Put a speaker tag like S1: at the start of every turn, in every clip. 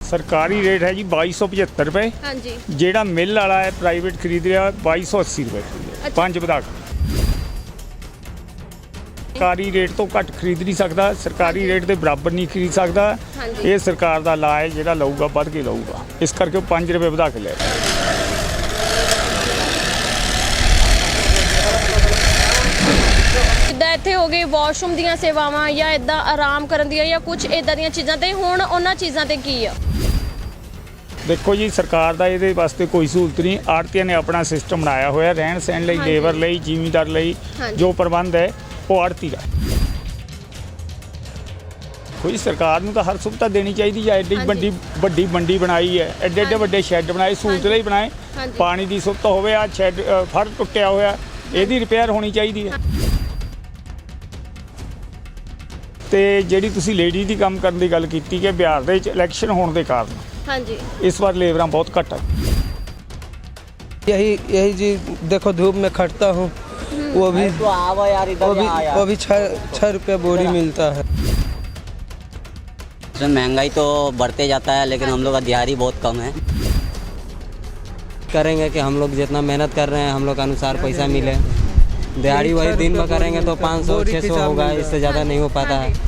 S1: सरकारी रेट है जी 2275 रुपए।
S2: हाँ जी।
S1: जेड़ा मिल वाला है प्राइवेट खरीद रहा है 2280 रुपए खरीद रहा है।
S2: अच्छा।
S1: 5 ਵਧਾ ਕੇ सरकारी रेट तो घट खरीद नहीं सकता, सरकारी रेट के बराबर नहीं खरीद सकता।
S2: हाँ जी।
S1: ये सरकार का ला है, ਜਿਹੜਾ ਲਊਗਾ ਵੱਧ ਕੇ ਲਊਗਾ, ਇਸ ਕਰਕੇ ਉਹ 5 ਰੁਪਏ ਵਧਾ ਕੇ ਲੈ ਰਿਹਾ।
S2: ਜਿੱਦਾਂ ਇੱਥੇ ਹੋ ਗਏ ਵਾਸ਼ਰੂਮ ਦੀਆਂ ਸੇਵਾਵਾਂ ਜਾਂ ਇਦਾਂ ਆਰਾਮ ਕਰਨ ਦੀਆਂ ਜਾਂ ਕੁਝ ਇਦਾਂ ਦੀਆਂ ਚੀਜ਼ਾਂ ਤੇ ਹੁਣ ਉਹਨਾਂ ਚੀਜ਼ਾਂ ਤੇ ਕੀ ਆ?
S1: देखो जी, सरकार का ये वास्ते कोई सहूलत नहीं। आड़तियां ने अपना सिस्टम बनाया हुआ रहन सहन लई,
S2: हाँ जी।
S1: लेबर लई, जिमीदार लई
S2: हाँ जी।
S1: जो प्रबंध है वो आड़ती का। कोई सरकार नूं तां हर सुविधा देनी चाहिए है। एड्डी
S2: हाँ
S1: बड़ी बड़ी मंडी बनाई है, एड्डे एड्डे वड्डे शैड बनाए, सहूलत
S2: हाँ
S1: लई बनाए।
S2: हाँ जी।
S1: पानी की सुविधा होवे, आ शैड फड़ टुटिया होया, ਇਹਦੀ रिपेयर होनी चाहिए है। ਤੇ ਜਿਹੜੀ ਤੁਸੀਂ ਲੇਡੀ ਦੀ ਕੰਮ ਕਰਨ ਦੀ ਗੱਲ ਕੀਤੀ ਕਿ ਬਿਹਾਰ ਦੇ ਵਿੱਚ ਇਲੈਕਸ਼ਨ ਹੋਣ ਦੇ ਕਾਰਨ
S2: हाँ जी।
S1: इस बार लेबरां बहुत घट है।
S3: यही जी देखो, धूप में खटता हूँ, वो भी
S4: तो आवा यार, इधर
S3: वो भी 6 रुपये बोरी मिलता है।
S4: इसमें महंगाई तो बढ़ते जाता है, लेकिन हम लोग का दिहाड़ी बहुत कम है।
S3: करेंगे कि हम लोग जितना मेहनत कर रहे हैं हम लोग के अनुसार पैसा मिले। दिहाड़ी वही दिन में करेंगे तो 500-600 होगा, इससे ज़्यादा नहीं हो पाता है।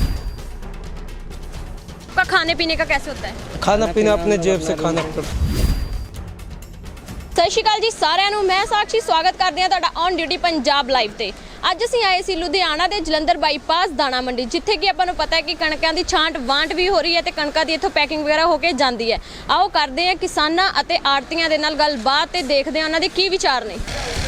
S2: आपका खाने पीने का कैसे होता है?
S3: खाना पीना अपने जेब से खाना पड़ता।
S2: ਸਤਿ ਸ਼੍ਰੀ ਅਕਾਲ ਜੀ ਸਾਰਿਆਂ ਨੂੰ, ਮੈਂ ਸਾਕਸ਼ੀ ਸਵਾਗਤ ਕਰਦੀ ਹਾਂ ਤੁਹਾਡਾ ਔਨ ਡਿਊਟੀ ਪੰਜਾਬ ਲਾਈਵ ਤੇ। ਅੱਜ ਅਸੀਂ ਆਏ ਸੀ ਲੁਧਿਆਣਾ ਦੇ ਜਲੰਧਰ ਬਾਈਪਾਸ ਦਾਣਾ ਮੰਡੀ, ਜਿੱਥੇ ਕਿ ਆਪਾਂ ਨੂੰ ਪਤਾ ਹੈ ਕਿ ਕਣਕਾਂ ਦੀ ਛਾਂਟ ਵਾਂਟ ਵੀ ਹੋ ਰਹੀ ਹੈ ਤੇ ਕਣਕਾਂ ਦੀ ਇੱਥੋਂ ਪੈਕਿੰਗ ਵਗੈਰਾ ਹੋ ਕੇ ਜਾਂਦੀ ਹੈ। ਆਓ ਕਰਦੇ ਹਾਂ ਕਿਸਾਨਾਂ ਅਤੇ ਆੜਤੀਆਂ ਦੇ ਨਾਲ ਗੱਲਬਾਤ ਤੇ ਦੇਖਦੇ ਹਾਂ ਉਹਨਾਂ ਦੇ ਕੀ ਵਿਚਾਰ ਨੇ।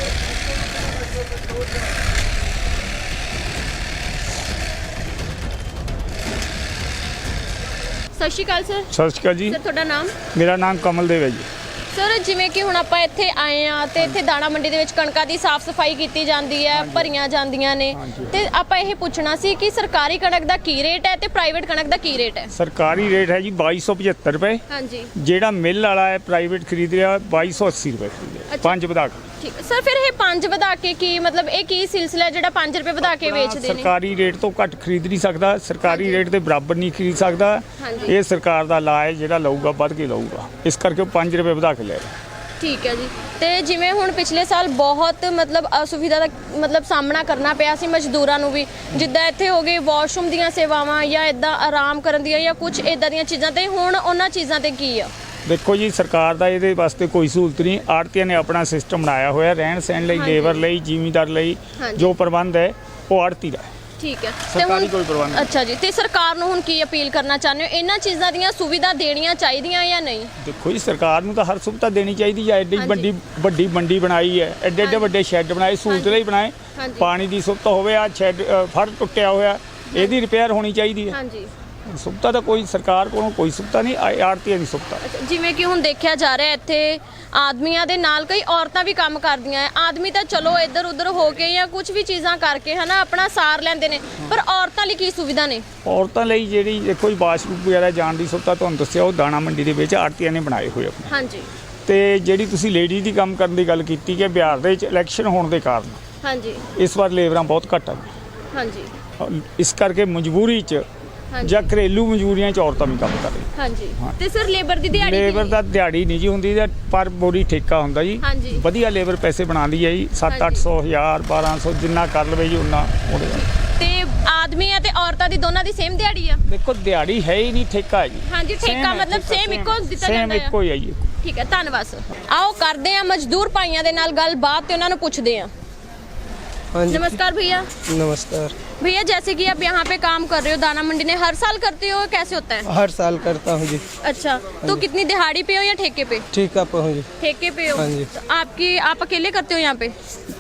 S2: ਸਤਿ ਸ਼੍ਰੀ ਅਕਾਲ ਸਰ।
S1: ਸਤਿ ਸ਼੍ਰੀ ਅਕਾਲ ਜੀ।
S2: ਸਰ ਤੁਹਾਡਾ ਨਾਮ?
S1: ਮੇਰਾ ਨਾਮ ਕਮਲਦੇਵ ਹੈ ਜੀ।
S2: ਸਰ ਜਿਵੇਂ ਕਿ ਹੁਣ ਆਪਾਂ ਇੱਥੇ ਆਏ ਆ ਤੇ ਇੱਥੇ ਦਾਣਾ ਮੰਡੀ ਦੇ ਵਿੱਚ ਕਣਕਾਂ ਦੀ ਸਾਫ਼ ਸਫਾਈ ਕੀਤੀ ਜਾਂਦੀ ਹੈ, ਭਰੀਆਂ ਜਾਂਦੀਆਂ ਨੇ, ਤੇ ਆਪਾਂ ਇਹ ਪੁੱਛਣਾ ਸੀ ਕਿ ਸਰਕਾਰੀ ਕਣਕ ਦਾ ਕੀ ਰੇਟ ਹੈ ਤੇ ਪ੍ਰਾਈਵੇਟ ਕਣਕ ਦਾ ਕੀ ਰੇਟ ਹੈ?
S1: ਸਰਕਾਰੀ ਰੇਟ ਹੈ ਜੀ 2275 ਰੁਪਏ।
S2: ਹਾਂਜੀ।
S1: ਜਿਹੜਾ ਮਿਲ ਵਾਲਾ ਹੈ ਪ੍ਰਾਈਵੇਟ ਖਰੀਦ ਰਿਹਾ 2280 ਰੁਪਏ ਖਰੀਦ ਰਿਹਾ।
S2: ਅੱਛਾ।
S1: 5 ਵਧਾ ਕੇ।
S2: ਠੀਕ ਹੈ ਸਰ, ਫਿਰ ਇਹ 5 ਵਧਾ ਕੇ ਕੀ ਮਤਲਬ, ਇਹ ਕੀ ਸਿਲਸਿਲਾ ਜਿਹੜਾ 5 ਰੁਪਏ ਵਧਾ ਕੇ ਵੇਚਦੇ ਨੇ?
S1: ਸਰਕਾਰੀ ਰੇਟ ਤੋਂ ਘੱਟ ਖਰੀਦ ਨਹੀਂ ਸਕਦਾ, ਸਰਕਾਰੀ ਰੇਟ ਦੇ ਬਰਾਬਰ ਨਹੀਂ ਖਰੀਦ ਸਕਦਾ।
S2: ਹਾਂਜੀ।
S1: ਇਹ ਸਰਕਾਰ ਦਾ ਲਾ ਹੈ, ਜਿਹੜਾ ਲਊਗਾ ਵੱਧ ਕੇ ਲਊਗਾ, ਇਸ ਕਰਕੇ ਉਹ 5 ਰੁਪਏ ਵਧਾ ਕੇ ਲੈ ਰਿਹਾ।
S2: ਠੀਕ ਹੈ ਜੀ। ਤੇ ਜਿਵੇਂ ਹੁਣ ਪਿਛਲੇ ਸਾਲ ਬਹੁਤ ਮਤਲਬ ਅਸੁਵਿਧਾ ਦਾ ਮਤਲਬ ਸਾਹਮਣਾ ਕਰਨਾ ਪਿਆ ਸੀ ਮਜ਼ਦੂਰਾਂ ਨੂੰ ਵੀ, ਜਿੱਦਾਂ ਇੱਥੇ ਹੋ ਗਏ ਵਾਸ਼ਰੂਮ ਦੀਆਂ ਸੇਵਾਵਾਂ ਜਾਂ ਇਦਾਂ ਆਰਾਮ ਕਰਨ ਦੀਆਂ ਜਾਂ ਕੁਝ ਇਦਾਂ ਦੀਆਂ ਚੀਜ਼ਾਂ ਤੇ ਹੁਣ ਉਹਨਾਂ ਚੀਜ਼ਾਂ ਤੇ ਕੀ ਆ?
S1: ਦੇਖੋ ਜੀ, ਸਰਕਾਰ ਦਾ ਇਹਦੇ ਵਾਸਤੇ ਕੋਈ ਸਹੂਲਤ ਨਹੀਂ। ਆੜਤੀਆਂ ਨੇ ਆਪਣਾ ਸਿਸਟਮ ਬਣਾਇਆ ਹੋਇਆ ਰਹਿਣ ਸਹਿਣ ਲਈ,
S2: ਹਾਂਜੀ।
S1: ਲੇਬਰ ਲਈ, ਜ਼ਿਮੀਦਾਰ ਲਈ
S2: ਹਾਂਜੀ।
S1: ਜੋ ਪ੍ਰਬੰਧ ਹੈ ਉਹ ਆੜਤੀ ਦਾ ਹੈ।
S2: ਠੀਕ ਹੈ।
S1: ਸਰਕਾਰੀ ਕੋਈ ਪ੍ਰਬੰਧ ਨਹੀਂ।
S2: ਅੱਛਾ ਜੀ, ਤੇ ਸਰਕਾਰ ਨੂੰ ਹੁਣ ਕੀ ਅਪੀਲ ਕਰਨਾ ਚਾਹੁੰਦੇ ਹੋ? ਇਹਨਾਂ ਚੀਜ਼ਾਂ ਦੀਆਂ ਸੁਵਿਧਾ ਦੇਣੀਆਂ ਚਾਹੀਦੀਆਂ ਜਾਂ ਨਹੀਂ?
S1: ਦੇਖੋ ਜੀ, ਸਰਕਾਰ ਨੂੰ ਤਾਂ ਹਰ ਸੁਵਿਧਾ ਦੇਣੀ ਚਾਹੀਦੀ ਹੈ। ਐਡੀ
S2: ਹਾਂਜੀ।
S1: ਵੱਡੀ ਮੰਡੀ ਬਣਾਈ ਹੈ, ਐਡੇ ਐਡੇ ਵੱਡੇ ਸ਼ੈੱਡ ਬਣਾਏ, ਸਹੂਲਤ ਲਈ ਬਣਾਏ।
S2: ਹਾਂਜੀ।
S1: ਪਾਣੀ ਦੀ ਸੁਵਿਧਾ ਹੋਵੇ, ਆ ਸ਼ੈੱਡ ਫੜ ਟੁੱਟਿਆ ਹੋਇਆ, ਇਹਦੀ ਰਿਪੇਅਰ ਹੋਣੀ ਚਾਹੀਦੀ ਹੈ।
S2: ਹਾਂਜੀ।
S1: ਸੁਵਿਧਾ ਤਾਂ ਕੋਈ ਸਰਕਾਰ ਕੋਲੋਂ ਕੋਈ ਸੁਵਿਧਾ ਨਹੀਂ, ਆੜਤੀਆਂ ਦੀ ਸੁਵਿਧਾ।
S2: ਅੱਛਾ, ਜਿਵੇਂ ਕਿ ਹੁਣ ਦੇਖਿਆ ਜਾ ਰਿਹਾ ਇੱਥੇ ਆਦਮੀਆਂ ਦੇ ਨਾਲ ਕਈ ਔਰਤਾਂ ਵੀ ਕੰਮ ਕਰਦੀਆਂ ਹੈ। ਆਦਮੀ ਤਾਂ ਚਲੋ ਇੱਧਰ ਉੱਧਰ ਹੋ ਕੇ ਜਾਂ ਕੁਝ ਵੀ ਚੀਜ਼ਾਂ ਕਰਕੇ ਹਨਾ ਆਪਣਾ ਸਾਰ ਲੈਂਦੇ ਨੇ, ਪਰ ਔਰਤਾਂ ਲਈ ਕੀ ਸੁਵਿਧਾ ਨੇ?
S1: ਔਰਤਾਂ ਲਈ ਜਿਹੜੀ ਦੇਖੋ ਜੀ, ਵਾਸ਼ਰੂਮ ਵਗੈਰਾ ਜਾਣ ਦੀ ਸੁਵਿਧਾ ਤੁਹਾਨੂੰ ਦੱਸਿਆ, ਉਹ ਦਾਣਾ ਮੰਡੀ ਦੇ ਵਿੱਚ ਆੜਤੀਆਂ ਨੇ ਬਣਾਏ ਹੋਏ ਆਪਣੇ।
S2: ਹਾਂਜੀ।
S1: ਤੇ ਜਿਹੜੀ ਤੁਸੀਂ ਲੇਡੀ ਦੀ ਕੰਮ ਕਰਨ ਦੀ ਗੱਲ ਕੀਤੀ ਕਿ ਬਿਹਾਰ ਦੇ ਵਿੱਚ ਇਲੈਕਸ਼ਨ ਹੋਣ ਦੇ ਕਾਰਨ
S2: ਹਾਂਜੀ।
S1: ਇਸ ਵਾਰ ਲੇਬਰਾਂ ਬਹੁਤ ਘੱਟ ਆ।
S2: ਹਾਂਜੀ।
S1: ਇਸ ਕਰਕੇ ਮਜਬੂਰੀ 'ਚ
S2: ਹਾਂਜੀ।
S1: ਜਾਂ ਘਰੇਲੂ ਮਜਬੂਰੀਆਂ 'ਚ ਔਰਤਾਂ ਵੀ ਕੰਮ ਕਰ ਰਹੀਆਂ।
S2: ਹਾਂਜੀ। ਤੇ ਸਰ ਲੇਬਰ ਦੀ ਦਿਹਾੜੀ
S1: ਲੇਬਰ ਦਾ ਦਿਹਾੜੀ ਨਹੀਂ ਜੀ ਹੁੰਦੀ, ਪਰ ਬੋਰੀ ਠੇਕਾ ਹੁੰਦਾ ਜੀ।
S2: ਹਾਂਜੀ।
S1: ਵਧੀਆ ਲੇਬਰ ਪੈਸੇ ਬਣਾਉਂਦੀ ਹੈ ਜੀ, 700-800 1000 1200 ਜਿੰਨਾ ਕਰ ਲਵੇ ਜੀ ਉਨਾ ਉਹਦੇ ਨਾਲ।
S2: ਤੇ ਆਦਮੀ ਅਤੇ ਔਰਤਾਂ ਦੀ ਦੋਨਾਂ ਦੀ ਸੇਮ ਦਿਹਾੜੀ ਆ?
S1: ਦੇਖੋ ਦਿਹਾੜੀ ਹੈ ਹੀ ਨਹੀਂ, ਠੇਕਾ ਹੈ ਜੀ।
S2: ਹਾਂਜੀ, ਠੇਕਾ ਮਤਲਬ ਸੇਮ ਇੱਕੋ ਦਿੱਤਾ ਜਾਂਦਾ
S1: ਸੇਮ ਇੱਕੋ ਹੀ ਹੈ ਜੀ।
S2: ਠੀਕ ਹੈ, ਧੰਨਵਾਦ ਸਰ। ਆਓ ਕਰਦੇ ਆ ਮਜ਼ਦੂਰ ਭਾਈਆਂ ਦੇ ਨਾਲ ਗੱਲਬਾਤ ਤੇ ਉਹਨਾਂ ਨੂੰ ਪੁੱਛਦੇ ਆ।
S3: हाँ जी।
S2: नमस्कार भैया।
S3: नमस्कार
S2: भैया, जैसे कि आप यहाँ पे काम कर रहे हो दाना मंडी में, हर साल करते हो, कैसे होता है?
S3: हर साल करता हूँ जी।
S2: अच्छा, तो कितनी दिहाड़ी पे हो या ठेके पे?
S3: ठीक है हूँ जी।
S2: ठेके पे हो?
S3: हाँ जी।
S2: तो आप अकेले करते हो यहाँ पे?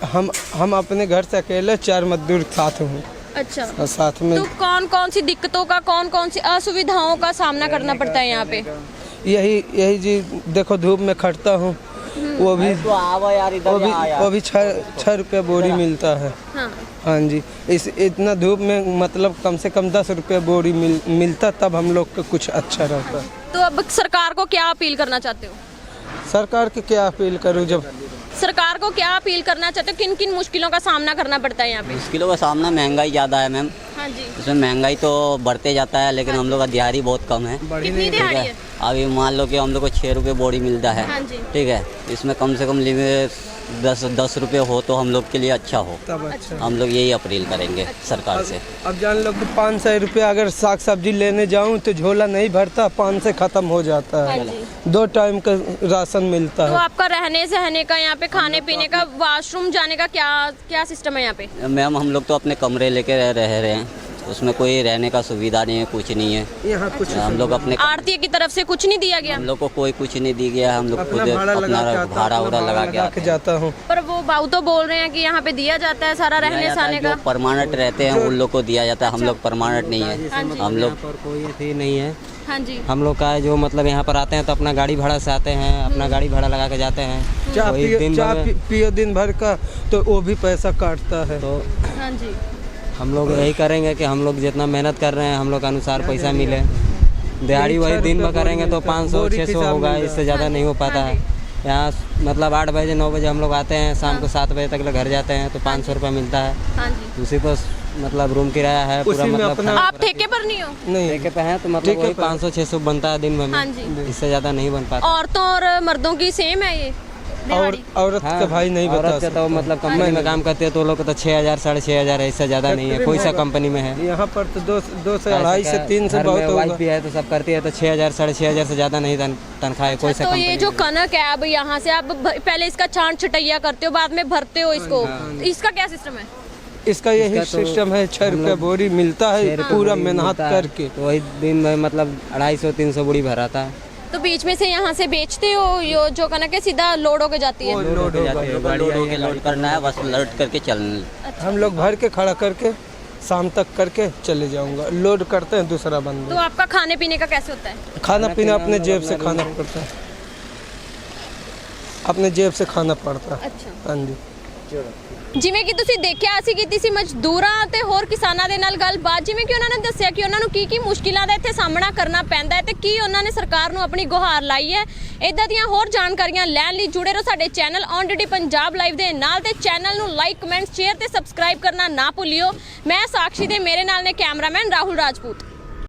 S3: हम अपने घर से अकेले 4 मजदूर साथ हूँ।
S2: अच्छा।
S3: और साथ में
S2: तो कौन कौन सी दिक्कतों का, कौन कौन सी असुविधाओं का सामना करना पड़ता है यहाँ पे?
S3: यही जी देखो, धूप में खटता हूँ, वो भी
S4: तो आवा यार, इधर
S3: वो भी 6 रुपये बोरी मिलता है।
S2: हाँ।
S3: हाँ जी। इतना धूप में मतलब कम से कम 10 रुपये बोरी मिलता, तब हम लोग को कुछ अच्छा रहता।
S2: तो अब सरकार को क्या अपील करना चाहते हो?
S3: सरकार की क्या अपील करूँ? जब
S2: सरकार को क्या अपील करना चाहते हो? किन किन मुश्किलों का सामना करना पड़ता है यहाँ पे?
S4: मुश्किलों का सामना, महंगाई ज़्यादा है मैम।
S2: हाँ जी।
S4: इसमें महंगाई तो बढ़ते जाता है, लेकिन हम लोग का दिहाड़ी बहुत कम है।
S2: कितनी दिहाड़ी है?
S4: अभी मान लो कि हम लोग को 6 रुपये बोरी मिलता है,
S2: हाँ जी।
S4: ठीक है, इसमें कम से कम लिमिट 10 रुपये हो तो हम लोग के लिए अच्छा हो।
S5: तब अच्छा।
S4: हम लोग यही अपील करेंगे सरकार से।
S5: अब जान लो कि 500 रुपया अगर साग सब्जी लेने जाऊं तो झोला नहीं भरता, 5 से ख़त्म हो जाता है।
S2: हाँ जी।
S5: 2 टाइम का राशन मिलता
S2: तो
S5: है।
S2: आपका रहने सहने का, यहाँ पे खाने पीने का, वॉशरूम जाने का क्या सिस्टम है यहाँ पे?
S4: मैम हम लोग तो अपने कमरे लेके रह रहे हैं, उसमें कोई रहने का सुविधा नहीं है, कुछ नहीं है।
S5: यहाँ कुछ
S4: हम लोग अपने
S2: आरती की तरफ से कुछ नहीं दिया गया?
S4: हम लोग को कोई कुछ नहीं दी गया, हम लोग खुद
S5: अपना भाड़ा लगा के
S4: अपना
S5: आता,
S4: भाड़ा उड़ा लगा के आते हैं।
S5: जाता हूँ।
S2: पर वो भाऊ तो बोल रहे हैं कि यहाँ पे दिया जाता है सारा रहने सहने
S4: जो
S2: का।
S4: परमानेंट रहते हैं उन लोग को दिया जाता है, हम लोग परमानेंट नहीं है। हम लोग
S3: पर कोई अथी नहीं है।
S2: हाँ जी।
S3: हम लोग का है जो मतलब यहाँ पर आते हैं तो अपना गाड़ी भाड़ा से आते हैं, अपना गाड़ी भाड़ा लगा के जाते हैं।
S5: चाय
S3: वही
S5: पियो,
S3: दिन
S5: चाय
S3: भर में-
S5: पियो दिन भर का तो वो भी पैसा काटता है।
S3: तो
S2: हाँ जी।
S3: हम लोग यही करेंगे कि हम लोग जितना मेहनत कर रहे हैं हम लोग के अनुसार पैसा मिले। दिहाड़ी वही दिन भर करेंगे तो 500-600 होगा, इससे ज़्यादा नहीं हो पाता है। यहाँ मतलब 8 बजे 9 बजे हम लोग आते हैं, शाम को 7 बजे तक घर जाते हैं तो 500 रुपये मिलता है।
S2: हाँ जी।
S3: उसी को मतलब रूम किराया है पूरा,
S5: उसी में
S3: मतलब
S5: अपना-
S2: आप ठेके पर नहीं हो?
S5: नहीं
S3: ठेके पे हैं तो मतलब वही 500-600 बनता है दिन भर
S2: हाँ
S3: में,
S2: जी।
S3: इससे ज़्यादा नहीं बन पाता।
S2: औरतों और मर्दों की सेम है ये
S5: और
S2: दिहाड़ी?
S5: औरत का भाई नहीं बता
S3: औरत का तो मतलब कंपनी में काम करते हैं तो लोग को तो 6,000 6,500 है, इससे ज़्यादा नहीं है। कोई सा कंपनी में है,
S5: यहाँ पर तो 2 से 2.5 से 3 से
S3: घर
S5: बहुत
S3: में
S5: होगा।
S3: वाइफ भी है तो सब करती है तो 6,000 6,500 से ज़्यादा नहीं तनख्वाह है कोई सा
S2: तो
S3: कंपनी
S2: ये जो
S3: में।
S2: कनक है, अब यहाँ से आप पहले इसका छांट छटैया करते हो, बाद में भरते हो इसको, इसका क्या सिस्टम है?
S5: इसका यही
S3: इसका तो
S5: सिस्टम है। 6
S3: हम
S5: रुपया
S3: लोग
S5: बोरी मिलता है,
S3: 6 रुपये
S5: पूरा
S3: बोरी
S5: मेहनत
S3: मिलता है,
S5: करके।
S3: तो वही दिन में मतलब 250-300 बोरी भराता है।
S2: तो बीच में से यहाँ से बेचते हो यो जो कनक है, सीधा लोड होके जाती है?
S5: लोड होगा।
S4: लोड करना है, बस लोड करके चलना।
S5: हम लोग भर के खड़ा करके शाम तक करके चले जाऊंगा। लोड करते हैं दूसरा
S2: तो
S5: बंदा।
S2: आपका खाने पीने का कैसे होता है?
S5: खाना पीना अपने जेब से खाना पड़ता है, अपने जेब से खाना पड़ता है।
S2: अच्छा।
S5: हाँ जी।
S2: ਜਿਵੇਂ ਕਿ ਤੁਸੀਂ ਦੇਖਿਆ, ਅਸੀਂ ਕੀਤੀ ਸੀ ਮਜ਼ਦੂਰਾਂ ਤੇ ਹੋਰ ਕਿਸਾਨਾਂ ਦੇ ਨਾਲ ਗੱਲਬਾਤ, ਜਿਵੇਂ ਕਿ ਉਹਨਾਂ ਨੇ ਦੱਸਿਆ ਕਿ ਉਹਨਾਂ ਨੂੰ ਕੀ ਮੁਸ਼ਕਿਲਾਂ ਦਾ ਇੱਥੇ ਸਾਹਮਣਾ ਕਰਨਾ ਪੈਂਦਾ ਹੈ ਤੇ ਕੀ ਉਹਨਾਂ ਨੇ ਸਰਕਾਰ ਨੂੰ ਆਪਣੀ ਗੁਹਾਰ ਲਾਈ ਹੈ। ਇਦਾਂ ਦੀਆਂ ਹੋਰ ਜਾਣਕਾਰੀਆਂ ਲੈਣ ਲਈ ਜੁੜੇ ਰਹੋ ਸਾਡੇ channel on duty Punjab live ਦੇ ਨਾਲ, ਤੇ ਚੈਨਲ ਨੂੰ ਲਾਈਕ, ਕਮੈਂਟ, ਸ਼ੇਅਰ ਤੇ ਸਬਸਕ੍ਰਾਈਬ ਕਰਨਾ ਨਾ ਭੁੱਲਿਓ। ਮੈਂ ਸਾਕਸ਼ੀ ਦੇ ਮੇਰੇ ਨਾਲ ਨੇ ਕੈਮਰਾਮੈਨ ਰਾਹੁਲ ਰਾਜਪੂਤ।